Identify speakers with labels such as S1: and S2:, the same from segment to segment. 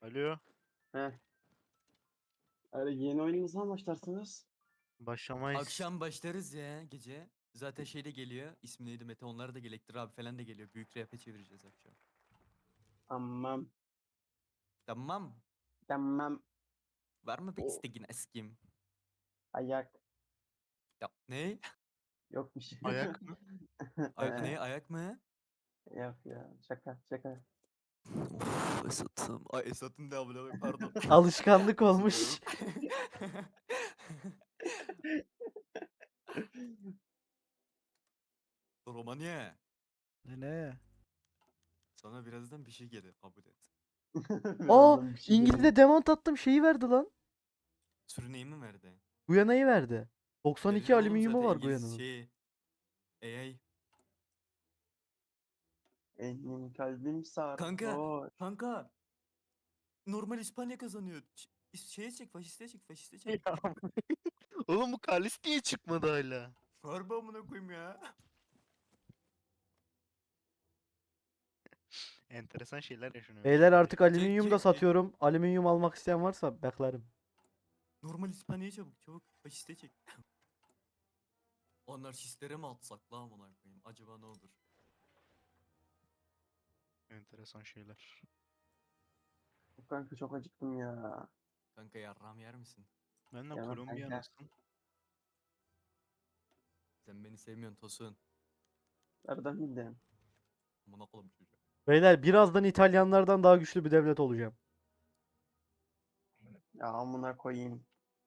S1: Alo.
S2: Heh. Öyle yeni oyunumuza mı başlarsınız?
S1: Başlamayız.
S3: Akşam başlarız ya gece. Zaten şey de geliyor. İsmi neydi Mete? Onlar da geliyor. Elektrik abi falan da geliyor. Büyük rap'e çevireceğiz akşam.
S2: Tamam.
S3: Tamam.
S2: Tamam.
S3: Var mı bir
S2: O
S3: isteğin eskim?
S2: ayak.
S3: Ya ne?
S2: Yok bir şey.
S1: Ayak mı?
S3: Ne ayak mı?
S2: Yok ya. Şaka şaka.
S3: Of Esat'ım. Ay Esat'ın da abone pardon.
S4: Alışkanlık
S3: Özür
S4: olmuş.
S3: dilerim. Romanya.
S4: Ne?
S3: Sana birazdan bir şey gelir. Kabul et.
S4: Aa,
S2: Birazdan bir şey
S4: İngilizce
S2: geliyor.
S4: demant attım şeyi verdi lan.
S3: Sürüneyi mi verdi?
S4: Guyana'yı verdi.
S3: Verir
S4: 92
S3: oğlum
S4: alüminyumu
S3: zaten
S4: var
S3: İngiliz
S4: Guyana'nın.
S3: şey. AI.
S2: Benim kalbim
S3: Kanka.
S2: sarhoş.
S3: Kanka. Normal İspanya kazanıyor. Şeye çek, faşiste çek, faşiste çek.
S1: Ya. Oğlum bu Kalis niye çıkmadı hala?
S3: Harbi amına koyayım ya.
S1: Enteresan şeyler yaşanıyor
S4: Beyler
S1: ülkede
S4: artık
S1: ya.
S4: alüminyum da
S3: Çek.
S4: satıyorum. Alüminyum almak isteyen varsa beklerim.
S3: Normal İspanya'ya çabuk, çabuk. Faşiste çek. Anarşistlere mi atsak la amına koyayım? Acaba ne olur?
S1: Enteresan şeyler.
S2: Kanka çok acıktım ya.
S3: Kanka yarram yer misin?
S1: Ben de
S2: Yemem
S1: Kolombiya
S2: kanka.
S1: nasıl?
S3: Sen beni sevmiyorsun Tosun.
S2: Nereden bildin?
S3: Amına koyayım çocuğa.
S4: Beyler birazdan İtalyanlardan daha güçlü bir devlet olacağım.
S2: Ya amına koyayım.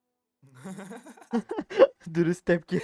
S4: Dürüst tepki.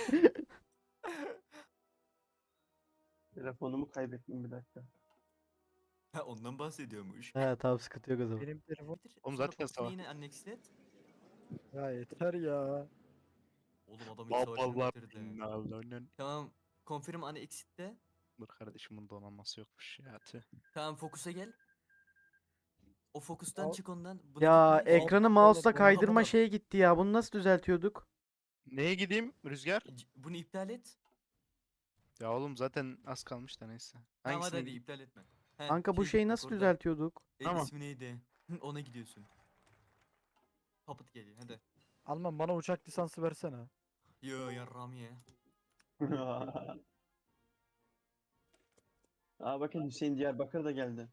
S2: Telefonumu kaybettim bir dakika.
S3: Ha ondan bahsediyormuş.
S4: He tamam, sıkıntı yok o zaman.
S5: Benim telefon.
S1: Oğlum
S3: Sonra
S1: zaten
S3: Putin'i
S1: savaş.
S3: yine annexlet.
S5: Ya yeter ya.
S3: Oğlum adam ilk savaşını
S1: Babalar
S3: bitirdi.
S1: binalarının.
S3: Tamam. Confirm annexit'te.
S1: Dur kardeşim bunun donanması yokmuş ya. Tüh.
S3: Tamam fokusa gel. O fokustan
S5: Al-
S3: çık ondan. Buna
S4: Ya
S3: gitme.
S4: ekranı
S5: Oğlum,
S4: mouse'la
S5: bunu
S4: kaydırma
S3: kapatalım.
S4: şeye gitti ya. Bunu nasıl düzeltiyorduk?
S1: Neye gideyim Rüzgar?
S3: Bunu iptal et.
S1: Ya oğlum zaten az kalmış da neyse.
S3: Tamam hadi
S1: Hangisine
S3: hadi
S1: gideyim?
S3: iptal etme. He,
S4: Kanka bu
S3: şey
S4: şeyi
S3: git bak
S4: nasıl
S3: orada.
S4: düzeltiyorduk?
S1: Tamam.
S3: İsmi neydi? Ona gidiyorsun. Puppet geliyor hadi.
S5: Alman bana uçak lisansı versene.
S3: Yo yarram ye.
S2: Aa bakın Hüseyin Diyarbakır da geldi.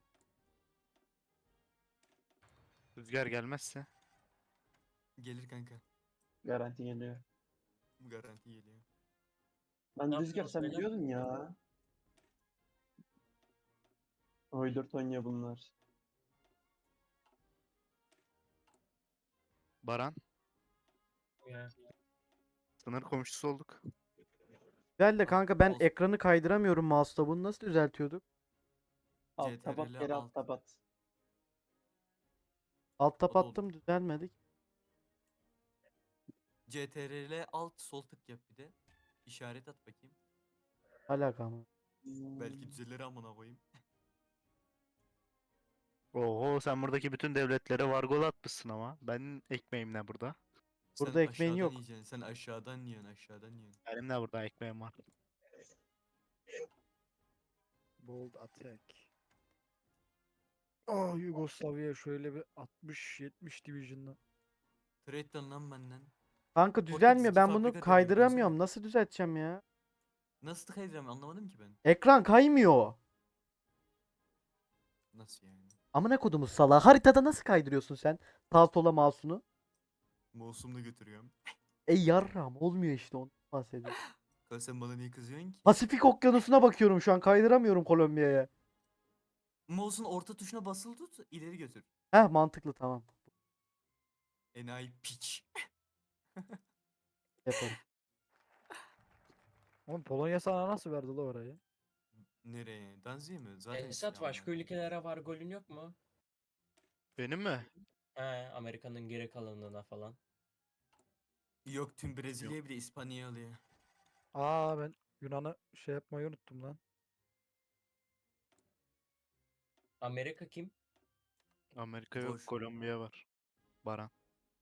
S1: Rüzgar gelmezse.
S3: Gelir kanka.
S2: Garanti geliyor.
S3: Garanti geliyor.
S2: Ben
S6: Ne
S2: Rüzgar
S6: yapıyorsunuz
S2: sen
S6: beyler?
S2: biliyordun ya. Oy 4 oynuyor bunlar.
S1: Baran.
S6: Ya.
S1: Sınır komşusu olduk.
S4: Güzel de kanka ben
S3: Olsun.
S4: ekranı kaydıramıyorum mouse'la. Bunu nasıl düzeltiyorduk?
S2: Alt tabat
S3: CTRL
S2: geri alt
S3: alt.
S2: tabat.
S4: Alt tab
S3: O da olur.
S4: attım, düzelmedi.
S3: CTRL alt sol tık yap bir de. İşaret at bakayım.
S4: Alaka ama.
S3: Belki düzelir amına koyayım.
S1: Oho sen buradaki bütün devletlere vargol atmışsın ama. Benim ekmeğim ne burada?
S4: Burada
S3: Sen
S4: ekmeğin
S3: aşağıdan
S4: yok.
S3: yiyeceksin. Sen aşağıdan yiyorsun aşağıdan yiyorsun.
S1: Benim de burada ekmeğim var.
S5: Bold attack. Oh Yugoslavya şöyle bir 60-70 division'la.
S3: Trade'den lan benden.
S4: Kanka
S3: Portekiz
S4: düzelmiyor.
S3: iki
S4: Ben bunu
S3: fabrika devrim,
S4: kaydıramıyorum.
S3: dönsene.
S4: Nasıl düzelteceğim ya?
S3: Nasıl kaydıram anlamadım ki ben.
S4: Ekran kaymıyor.
S3: Nasıl yani?
S4: Amına kodumuz salağı. Haritada nasıl kaydırıyorsun sen? Sağ sola mouse'unu.
S3: Mouse'umla götürüyorum.
S4: Yarram olmuyor işte, ondan bahsediyorum.
S3: Kanka sen bana niye kızıyorsun ki?
S4: Pasifik Okyanusu'na bakıyorum şu an. Kaydıramıyorum Kolombiya'ya.
S3: Mouse'un orta tuşuna basılı tut, ileri götür.
S4: Heh, mantıklı, tamam.
S3: Enayi piç.
S4: Yaparım.
S5: Oğlum Polonya sana nasıl verdi la orayı?
S3: Nereye? Danzi'ye mi? Zaten
S6: Esat
S3: istiyor
S6: başka
S3: amına koyayım.
S6: ülkelere var golün yok mu?
S1: Benim mi?
S6: He, Amerika'nın geri kalanına falan.
S3: Yok tüm Brezilya'yı bile İspanya'ya alıyor.
S5: Aa ben Yunan'ı şey yapmayı unuttum lan.
S6: Amerika kim?
S1: Amerika yok,
S3: Boş.
S1: Kolombiya var. Baran.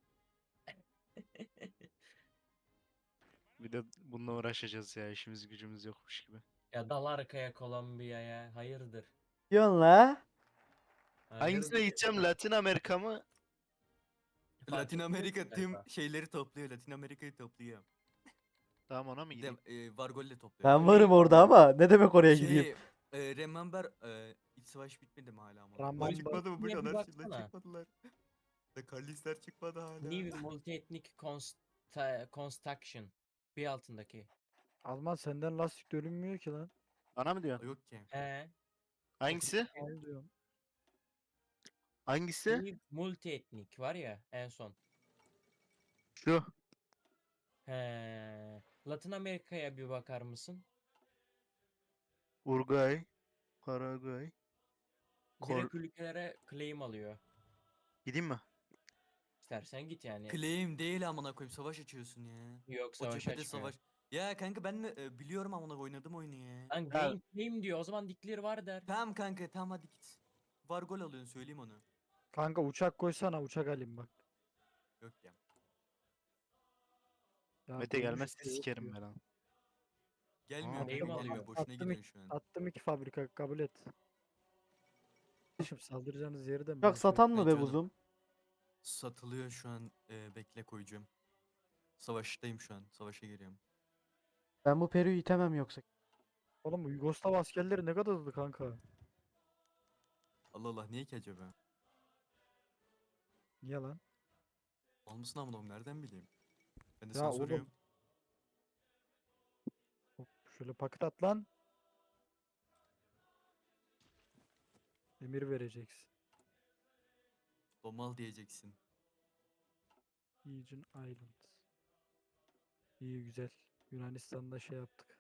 S1: Bir de bununla uğraşacağız ya, işimiz gücümüz yokmuş gibi.
S6: Ya dal arkaya Kolombiya'ya. Hayırdır?
S4: Diyorsun la.
S1: Hangisine gideceğim? Latin Amerika mı?
S3: Latin Amerika tüm
S6: galiba.
S3: şeyleri topluyor. Latin Amerika'yı topluyor.
S1: Tamam, ona mı
S3: Bir de
S1: gideyim?
S3: Vargol'le topluyor.
S4: Ben varım orada ama ne demek oraya gideyim?
S3: Remember iç savaş bitmedi mi hala ama?
S5: Remember.
S3: Çıkmadı mı? Bu
S6: Niye bir
S3: anarşiler
S6: baksana.
S3: çıkmadılar. Da Kalistler çıkmadı hala.
S6: New Multi-Ethnic Construction. Bir altındaki.
S5: Alman senden lastik dönünmüyor ki lan.
S1: Bana mı diyorsun?
S3: Yok ki.
S6: He.
S1: Hangisi?
S5: Al diyorum.
S1: Hangisi?
S6: New Multi-Ethnic var ya en son.
S1: Şu.
S6: He. Latin Amerika'ya bir bakar mısın?
S1: Uruguay. Paraguay.
S6: Direkt ülkelere claim alıyor.
S1: Gideyim mi?
S6: İstersen git yani.
S3: Claim değil amına koyayım. Savaş açıyorsun ya.
S6: Yok,
S3: O
S6: savaş
S3: cephede
S6: açmıyor.
S3: savaş. Ya kanka ben de biliyorum amına oynadım oyunu ya.
S6: Lan gain claim diyor. O zaman declare var der.
S3: Tamam kanka tamam hadi git. Vargol alıyorsun söyleyeyim onu.
S5: Kanka uçak koysana, uçak alayım bak.
S3: Yok ya.
S5: Ya
S1: Mete
S5: dönüş
S1: gelmezse
S5: de yok
S1: sikerim
S5: diyor.
S1: ben lan.
S3: Gelmiyor
S1: Aa,
S3: kanka
S6: neyim
S3: gelmiyor.
S6: alıyor?
S3: Boşuna
S5: Attım
S3: gidiyorsun şu an.
S5: Attım 2 fabrika, kabul et. Şimdi saldıracağınız yeri de mi?
S4: Uçak satan mı
S3: Ben
S4: be
S3: canım.
S4: buzum?
S3: Satılıyor şu an. Bekle koyacağım. Savaştayım şu an. Savaşa giriyorum.
S4: Ben bu Peru'yu itemem yoksa.
S5: Oğlum bu Yugoslav askerleri ne kadar hızlı kanka.
S3: Allah Allah niye ki acaba?
S5: Niye lan?
S3: Olmasın amına koyayım, nereden bileyim? Ben de
S5: Ya
S3: sana
S5: oğlum.
S3: soruyorum.
S5: Hop, şöyle paket at lan. Emir vereceksin.
S3: Domal diyeceksin.
S5: Aegean Island. İyi güzel. Yunanistan'da şey yaptık.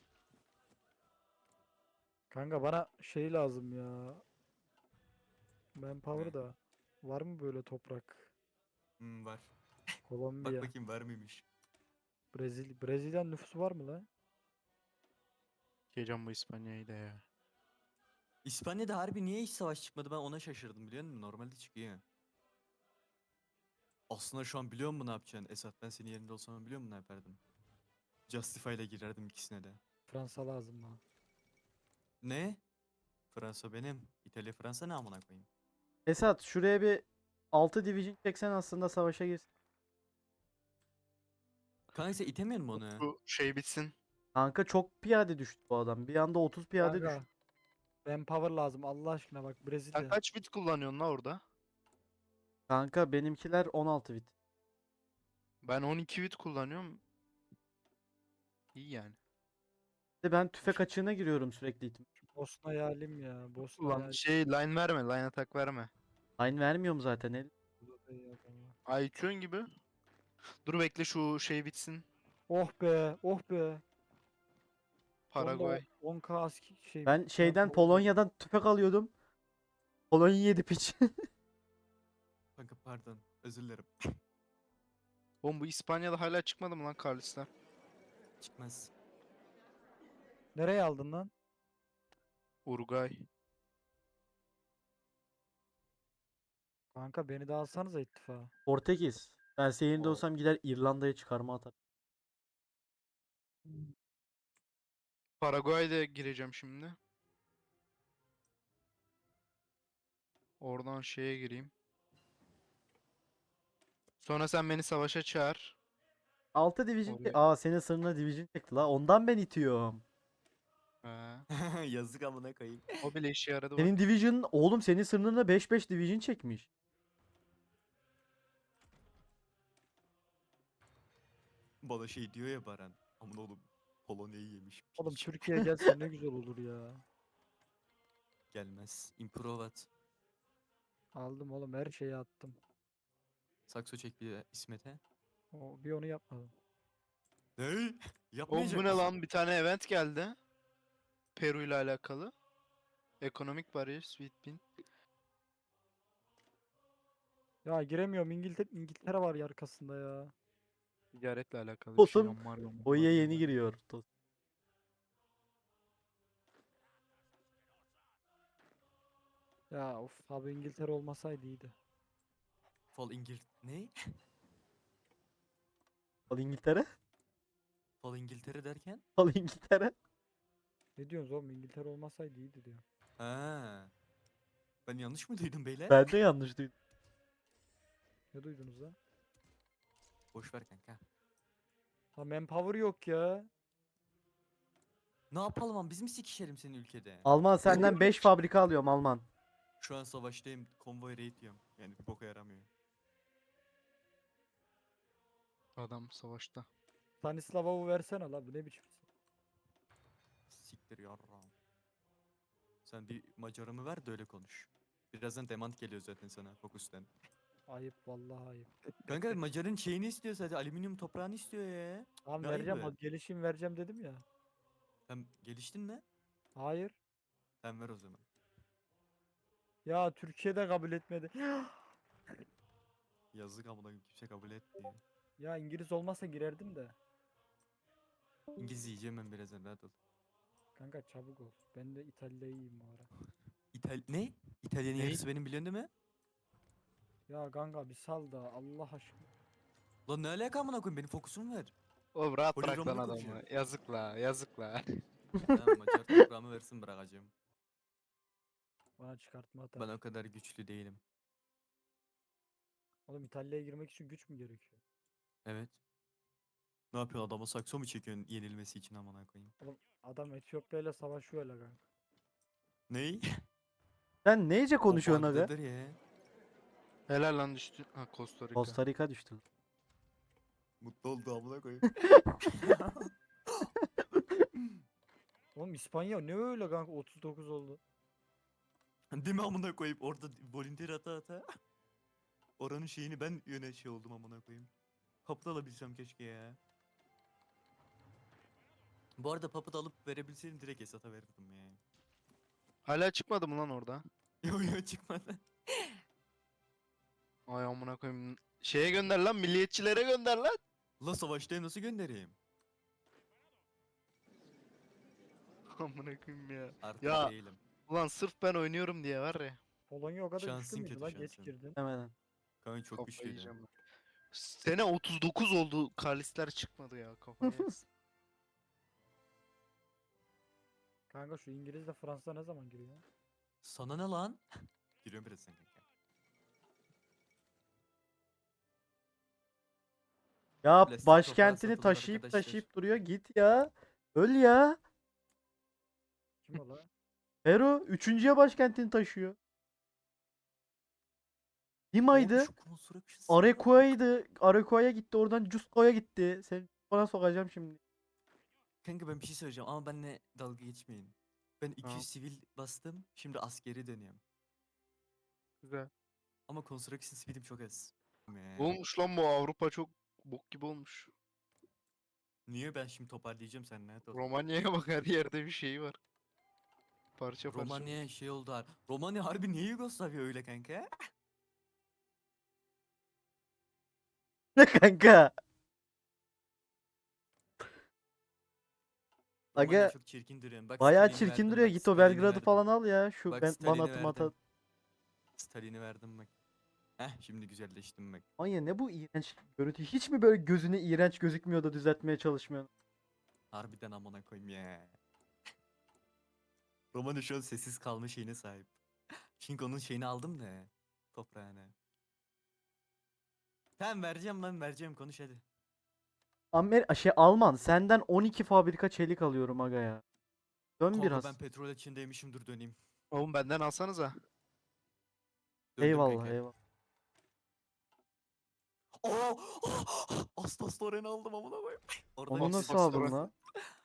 S5: Kanka bana şey lazım ya. Manpower
S3: Ne?
S5: da. Var mı böyle toprak?
S3: Var. Bak
S5: Kolombiya.
S3: bakayım var mıymış?
S5: Brezilya nüfusu var mı lan?
S1: Geleceğim bu İspanya'yı da ya.
S3: İspanya'da harbi niye hiç savaş çıkmadı ben ona şaşırdım biliyor musun? Normalde çıkıyor. Aslında şu an biliyor musun ne yapacaksın? Esat ben senin yerinde olsam biliyor musun ne yapardım? Justify ile girerdim ikisine de.
S5: Fransa lazım bana.
S3: Ne? Fransa benim. İtalya Fransa ne amına koyayım?
S4: Esat şuraya bir 6 division çeksen aslında savaşa girsin.
S3: Kanka sen itemiyor musun onu?
S1: Bu şey bitsin.
S4: Kanka çok piyade düştü bu adam. Bir anda 30 piyade düştü.
S5: Kanka. Manpower lazım Allah aşkına bak
S1: Sen
S5: Brezilya.
S1: kaç bit kullanıyorsun la orada?
S4: Kanka benimkiler 16 bit.
S1: Ben 12 bit kullanıyorum. İyi yani.
S4: Bir de ben tüfek açığına giriyorum sürekli itim.
S5: Bosna yalim ya. Bosna
S1: Ulan
S5: yalim.
S1: şey line verme, line atak verme.
S4: Aynı vermiyorum zaten. El.
S1: Ayçön gibi. Dur bekle şu şey bitsin.
S5: Oh be, oh be.
S1: Paraguay.
S5: 10k aski şey.
S4: Ben şeyden
S5: manpower-
S4: Polonya'dan tüfek alıyordum. Polonya yedi piç.
S3: Kanka pardon. Özür dilerim.
S1: Oğlum bu İspanya'da hala çıkmadı mı lan Carlos'lar?
S3: Çıkmaz.
S5: Nereye aldın lan?
S1: Uruguay.
S5: Kanka beni de alsanıza ittifa.
S4: Portekiz. Ben senin yerinde
S6: O-
S4: olsam gider İrlanda'ya çıkarma atar.
S1: Paraguay'da gireceğim şimdi. Oradan şeye gireyim. Sonra sen beni savaşa çağır.
S4: 6 division
S1: Oraya-
S4: Aa senin sınırına division çekti la. Ondan ben itiyorum.
S1: Ha.
S3: Yazık amına koyayım.
S1: O bile işe yaradı bak.
S4: Senin division oğlum senin sınırına 5-5 division çekmiş.
S3: Bana şey diyor ya Baran. Aman oğlum Polonya'yı yemiş.
S5: Oğlum
S3: piç.
S5: Türkiye gelse ne güzel olur ya.
S3: Gelmez. Improvat.
S5: Aldım oğlum her şeyi attım.
S3: Sakso çek bir de İsmet'e.
S5: Bir onu yapmadım.
S3: Ne?
S1: Oğlum
S3: Yapmayacak
S1: bu ne
S3: mısın?
S1: lan? Bir tane event geldi. Peru ile alakalı. Economic Barriers Within.
S5: Ya giremiyorum İngiltere var ya arkasında ya.
S1: Ticaretle alakalı bir şey.
S4: Oğlum,
S1: Onlar
S4: Boya yeni giriyor.
S5: Ya of abi İngiltere olmasaydı iyiydi.
S3: Fal Ne?
S4: Al İngiltere.
S3: Fal İngiltere derken?
S4: Al İngiltere.
S5: Ne diyorsunuz oğlum İngiltere olmasaydı iyiydi diyor.
S3: Ha. Ben yanlış mı duydum beyler?
S4: Ben de yanlış duydum.
S5: Ne duydunuz lan?
S3: Boş ver kanka.
S5: Ha manpower yok ya.
S3: Ne yapalım ama biz mi sikişelim senin ülkede?
S4: Alman senden 5 fabrika alıyorum Alman.
S3: Şu an savaştayım. Konvoy raid diyorum. Yani bir boka yaramıyor.
S1: Adam savaşta.
S5: Stanislavov'u versene la bu ne biçim?
S3: Siktir yarram. Sen bir Macarımı ver de öyle konuş. Birazdan demand geliyor zaten sana Focus'tan.
S5: Ayıp vallahi ayıp.
S3: Kanka Macar'ın şeyini istiyor sadece. Alüminyum toprağını istiyor ya.
S5: Tamam
S3: Ne
S5: vereceğim.
S3: ayıbı?
S5: O gelişim vereceğim dedim ya.
S3: Sen geliştin mi?
S5: Hayır.
S3: Sen ver o zaman.
S5: Ya Türkiye'de kabul etmedi.
S3: Yazık amına koyayım, kimse kabul etmiyor.
S5: Ya İngiliz olmasa girerdim de.
S3: İngilizce yiyeceğim ben birazdan rahat ol.
S5: Kanka çabuk ol. Ben de İtalya'yım bu ara.
S3: Ne? İtalyanın
S1: Ne?
S3: yarısı benim biliyorsun değil mi?
S5: Ya kanka bir sal da Allah aşkına.
S3: Lan ne alaka amına koyayım, benim fokusumu ver.
S1: Oğlum rahat
S3: Hoca
S1: bırak lan
S3: Roma'da
S1: adamı.
S3: konuşuyor.
S1: Yazık la, yazık la.
S3: Tamam Macar toprağımı versin bırakacağım.
S5: Bana çıkartma atar.
S3: Ben o kadar güçlü değilim.
S5: Oğlum İtalya'ya girmek için güç mü gerekiyor?
S3: Evet. Ne yapıyor, adama sakso mu çekiyorsun yenilmesi için amına koyayım?
S5: Oğlum adam Etiyopya ile savaşıyor öyle kanka.
S3: Ney?
S4: Sen neyce
S3: O
S4: konuşuyorsun aga?
S3: bug'dadır ya.
S1: Helal lan düştü. Ha Costa Rica.
S4: Costa Rica düştü.
S3: Mutlu oldu amına koyayım.
S5: Oğlum İspanya ne öyle kanka 39 oldu.
S3: Değil mi amına koyayım, orada volunteer ata. Oranın şeyini ben şey oldum amına koyayım. Papıt alabilsem keşke ya. Bu arada papıt alıp verebilseydim direkt Esat'a verirdim ya.
S1: Hala çıkmadı mı lan orada?
S3: Yo çıkmadı.
S1: Ay amına koyayım. Şeye gönder lan, milliyetçilere gönder lan.
S3: La savaştayım, nasıl göndereyim?
S1: Amına koyayım ya.
S3: Artık
S1: Ya.
S3: değilim.
S1: Ulan sırf ben oynuyorum diye var ya.
S5: Polonya o kadar güçlü
S3: Şansın
S5: müydü
S3: kötü,
S5: lan geç
S3: şansın.
S5: girdin.
S4: Hemen.
S3: Kanka çok
S1: Kafayı
S3: güçlüydü.
S1: yiyeceğim ben. Sene 39 oldu. Kalisler çıkmadı ya kafaya. yersin.
S5: Kanka şu İngiliz de Fransa ne zaman giriyor?
S3: Sana ne lan? Giriyorum biraz sen kanka.
S4: Ya
S3: Plastik
S4: başkentini
S3: toprağa satılır
S4: taşıyıp
S3: arkadaşlar.
S4: taşıyıp duruyor. Git ya. Öl ya.
S5: Kim o la?
S4: Peru 3.'ye başkentini taşıyor. Lima'ydı.
S3: Oğlum şu construction
S4: Arequia'ydı. Arequia'ya gitti. Oradan Cusco'ya gitti. Seni bana sokacağım şimdi.
S3: Kanka ben bir şey söyleyeceğim ama benimle dalga geçmeyin. Ben 200
S1: Tamam.
S3: sivil bastım. Şimdi askeri dönüyorum.
S1: Güzel.
S3: Ama construction speed'im çok az.
S1: Olmuş lan bu, Avrupa çok bok gibi olmuş.
S3: Niye, ben şimdi toparlayacağım sen ne ol.
S1: Romanya'ya bak, her yerde bir şey var. Parça parça.
S3: Romanya şey oldu har. Romanya harbi niye Yugoslavya öyle kanka?
S4: Ne kanka?
S3: Romanya
S4: Aga
S3: çok çirkin duruyor. Bak
S4: bayağı
S3: Stalin'i
S4: çirkin
S3: verdim,
S4: duruyor.
S3: bak
S4: Git o
S3: Stalin'i
S4: Belgrad'ı
S3: verdim.
S4: falan al ya. Şu
S3: Bak
S4: ben bana
S3: Stalin'i
S4: atım ata.
S3: verdim. Stalin'i verdim bak. Şimdi güzelleştim bak.
S4: Anya ne bu iğrenç görüntü? Hiç mi böyle gözüne iğrenç gözükmüyor da düzeltmeye çalışmıyorsun?
S3: Harbiden amına koyayım ya. Romanya şu an sessiz kalma şeyine sahip. Çünkü onun şeyini aldım da toprağını. Tamam vereceğim lan, vereceğim, konuş hadi.
S4: Alman senden 12 fabrika çelik alıyorum aga ya. Dön
S3: Kanka
S4: biraz.
S3: ben petrol içindeymişim, dur döneyim.
S1: Oğlum benden alsanıza.
S3: Döndüm
S4: Eyvallah
S3: kanka.
S4: eyvallah.
S3: Aa! Astas Loren'i aldım amına koyayım. Orada
S4: Onu
S3: bir
S4: nasıl
S3: sürü-
S4: aldın lan?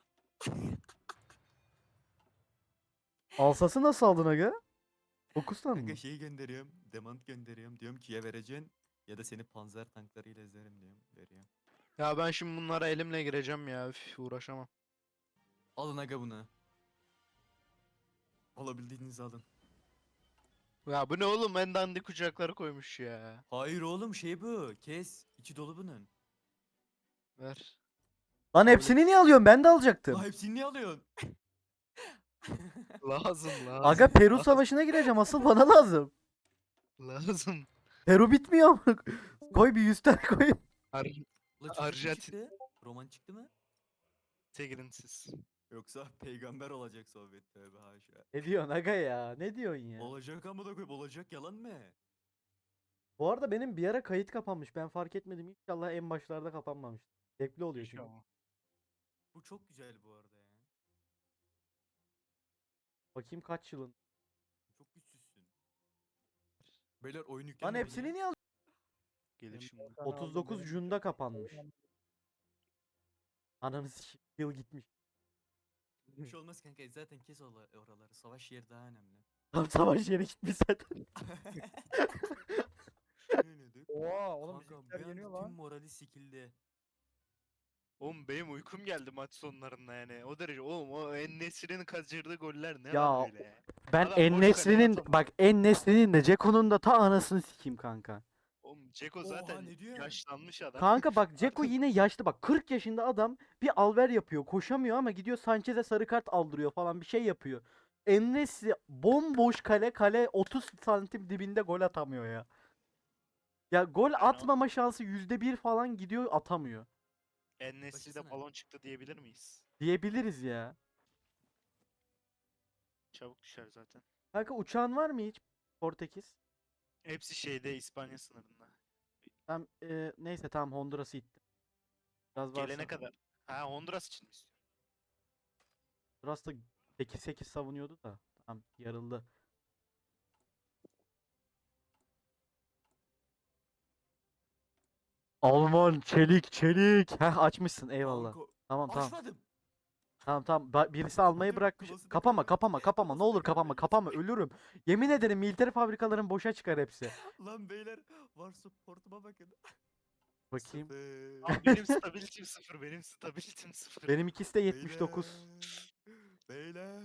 S4: Alsas'ı nasıl aldın aga? 9 tane
S3: Kanka
S4: mı?
S3: şeyi gönderiyorum. Demand gönderiyorum. Diyorum ki ya vereceksin ya da seni panzer tanklarıyla ezerim diyorum. Veriyorum.
S1: Ya ben şimdi bunlara elimle gireceğim ya. Üf, uğraşamam.
S3: Alın aga bunu. Alabildiğinizi alın.
S1: Ya bu ne oğlum, en dandik kucakları koymuş ya.
S3: Hayır oğlum, şey bu. Kes. İçi dolu bunun.
S1: Ver.
S4: Lan hepsini niye alıyorsun? Ben de alacaktım.
S3: Aa, hepsini niye alıyorsun?
S1: Lazım lazım.
S4: Aga Peru savaşına gireceğim. Asıl bana lazım.
S1: Lazım.
S4: Peru bitmiyor ama. Koy bir 100 tane koy.
S1: Ar
S3: La çocuk mu
S1: Arjantin-
S3: çıktı? Roman çıktı mı?
S1: girin siz.
S3: Yoksa peygamber olacak Sovyet, tövbe haşa.
S4: Ne diyorsun aga ya? Ne diyorsun ya?
S3: Olacak amına koyayım, olacak, yalan mı?
S4: Bu arada benim bir ara kayıt kapanmış. Ben fark etmedim. İnşallah en başlarda kapanmamış. Zevkli oluyor çünkü.
S1: İnşallah.
S3: Bu çok güzel bu arada ya.
S4: Bakayım kaç yılın.
S3: Çok güçsüzsün. Beyler oyun
S4: Lan
S3: yüklenmedi
S4: hepsini
S3: ya.
S4: niye aldın?
S1: Gelir şimdi.
S4: 39 Jun'da kapanmış. Ananı sikeyim. Yıl gitmiş.
S3: Bir şey olmaz kanka, zaten kes oraları. Savaş yeri daha önemli.
S4: Tam savaş yeri gitmiş zaten.
S3: Ne oynadık?
S5: Oha oğlum
S3: Kanka
S5: bizimkiler
S3: bir anda
S5: yeniyor
S3: tüm
S5: lan.
S3: morali sikildi.
S1: Oğlum benim uykum geldi maç sonlarında yani. O derece. Oğlum o En-Nesyri'nin kaçırdığı goller ne
S4: Ya,
S1: lan öyle ya.
S4: Ben
S1: Adam boş kaleye
S4: En-Nesyri'nin
S1: atamıyor.
S4: bak En-Nesyri'nin de Ceko'nun da ta anasını sikeyim kanka.
S1: Oğlum Ceko
S3: Oha,
S1: zaten
S3: ne diyor?
S1: yaşlanmış adam.
S4: Kanka bak Ceko
S1: Artık-
S4: yine yaşlı bak 40 yaşında adam bir alver yapıyor koşamıyor ama gidiyor Sanchez'e sarı kart aldırıyor falan bir şey yapıyor. En-Nesyri bomboş kale 30 santim dibinde gol atamıyor ya. Ya gol
S1: Yani o-
S4: atmama şansı %1 falan gidiyor atamıyor.
S1: En-Nesyri'de
S3: Başlasana.
S1: balon çıktı diyebilir miyiz?
S4: Diyebiliriz ya.
S1: Çabuk düşer zaten.
S4: Kanka uçağın var mı hiç? Portekiz.
S1: Hepsi şeyde İspanya sınırında.
S4: Tam neyse tamam Honduras'ı ittim. Biraz varsa.
S1: Gelene kadar. Ha Honduras için mi istiyorsun?
S4: Honduras da 8-8 savunuyordu da. Tamam yarıldı. Alman çelik. Heh açmışsın eyvallah.
S3: Kanka,
S4: Tamam tamam.
S3: açmadım.
S4: Tamam. Birisi almayı
S3: Kapatıyorum,
S4: bırakmış.
S3: closet'ı
S4: Kapama
S3: kırmayın.
S4: kapama ne olur
S3: Closet'ı
S4: kapama
S3: kırmayın.
S4: ölürüm. Yemin ederim militer fabrikaların boşa çıkar hepsi.
S3: Lan beyler, var supportuma bakın.
S4: Bakayım.
S3: Sıfır.
S1: Abi benim stability'm 0. Benim stability'm 0.
S4: Benim ikisi de 79.
S3: Beyler.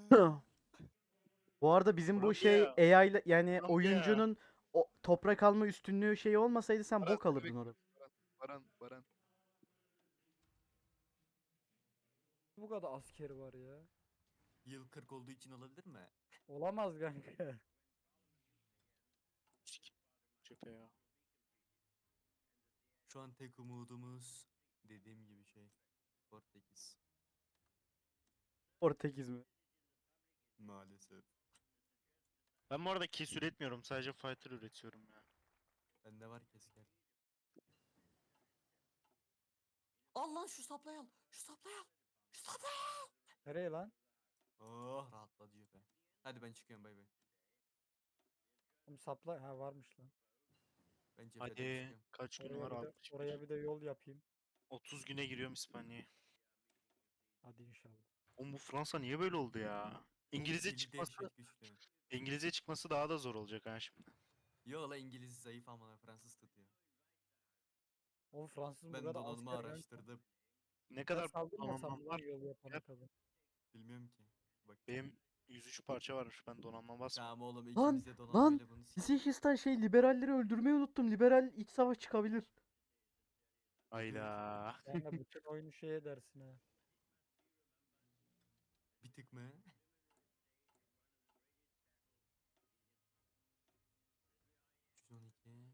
S4: Bu arada bizim bu
S1: Kolombiya.
S4: şey AI ile yani
S1: Kolombiya.
S4: oyuncunun o toprak alma üstünlüğü şeyi olmasaydı sen
S1: Baran,
S4: bok alırdın
S1: bebek.
S4: orada.
S1: Baran.
S5: Bu kadar askeri var ya.
S3: Yıl 40 olduğu için olabilir mi?
S5: Olamaz kanka.
S1: Çöpe ya.
S3: Şu an tek umudumuz dediğim gibi şey. Portekiz.
S4: Portekiz mi?
S3: Maalesef.
S1: Ben bu arada kes üretmiyorum. Sadece fighter üretiyorum ya.
S3: Bende var kesker. Al lan şu saplayı al. Şu saplayı al. Şu saplayı al.
S5: Nereye lan?
S3: Oh rahatladı cephe. Hadi ben çıkıyorum, bay bay.
S5: Oğlum sapla. Ha varmış lan.
S3: Ben cepheden
S1: Hadi.
S3: çıkıyorum.
S1: Kaç gün
S5: Oraya
S1: var?
S5: bir de,
S1: 61.
S5: oraya bir de yol yapayım.
S1: 30 güne giriyorum İspanya'ya.
S5: Hadi inşallah.
S1: Oğlum bu Fransa niye böyle oldu ya? İngilizce
S3: Dili
S1: çıkması,
S3: dehşet güçlü.
S1: İngilizce çıkması daha da zor olacak ha şimdi.
S3: Yo la İngiliz zayıf ama Fransız tutuyor.
S5: Oğlum Fransız bu
S3: Ben
S5: kadar
S3: donanımı
S5: asker ben.
S3: araştırdım.
S1: Ne
S5: Ben
S1: kadar
S5: saldırmasam
S1: donanmam
S5: mı
S1: var?
S5: lan yol yapana
S1: Yap.
S5: kadar.
S3: Bilmiyorum ki. Bak.
S1: Benim 103 parça varmış. Ben donanma basmıyorum.
S3: Tamam oğlum,
S4: Lan,
S3: ikimiz de donanmayla bunu
S4: Sichistan şey liberalleri öldürmeyi unuttum. Liberal iç savaş çıkabilir.
S1: Hayda.
S5: Yani bütün oyunu şey edersin ha.
S3: bir tık mı? 312.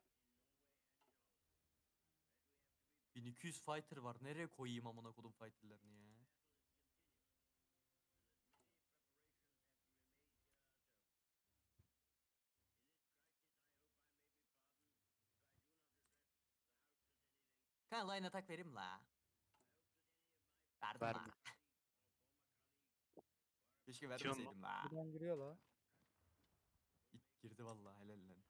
S3: 1200 fighter var. Nereye koyayım amına kodum fighterlarını ya? Kan line atak vereyim la. Verdim
S1: Verme.
S3: la. Keşke
S1: Bitiyor mu?
S3: vermeseydim la.
S5: Buradan giriyor la.
S3: Girdi vallahi, helal lan.